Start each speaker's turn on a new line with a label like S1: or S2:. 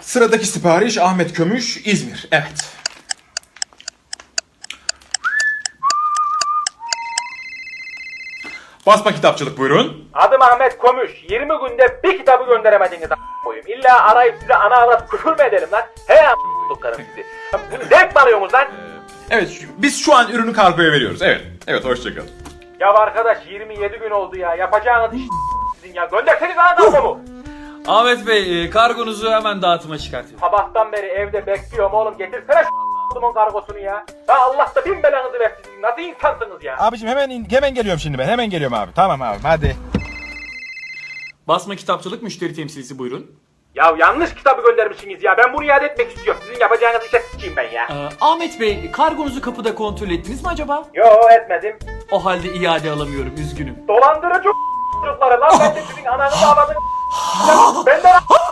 S1: Sıradaki sipariş Ahmet Kömüş, İzmir. Evet. Basma kitapçılık buyurun.
S2: Adım Ahmet Komüş. 20 günde bir kitabı gönderemediniz koyayım. İlla arayıp size ana avrat küfür mü edelim lan? He a**lıklarım sizi. Bunu zevk mi alıyorsunuz lan?
S1: Evet, biz şu an ürünü kargoya veriyoruz. Evet. Evet, hoşçakalın.
S2: Ya arkadaş 27 gün oldu ya. Yapacağınız iş sizin ya. Gönderseniz ana kargomu.
S3: Ahmet Bey kargonuzu hemen dağıtıma çıkartıyorum.
S2: Sabahtan beri evde bekliyorum oğlum. Getirsene şu kargosunu ya. Ya Allah da bin belanızı versin. Nasıl insansınız ya?
S4: Abicim hemen geliyorum şimdi ben. Hemen geliyorum abi. Tamam abi hadi.
S3: Basma kitapçılık müşteri temsilcisi buyurun.
S2: Ya yanlış kitabı göndermişsiniz ya. Ben bunu iade etmek istiyorum. Sizin yapacağınız işe sıçayım ben ya.
S3: Ahmet Bey kargonuzu kapıda kontrol ettiniz mi acaba?
S2: Yo etmedim.
S3: O halde iade alamıyorum üzgünüm.
S2: Dolandırıcı çocukları lan. Ben de sizin ananızı ağladınız. Benden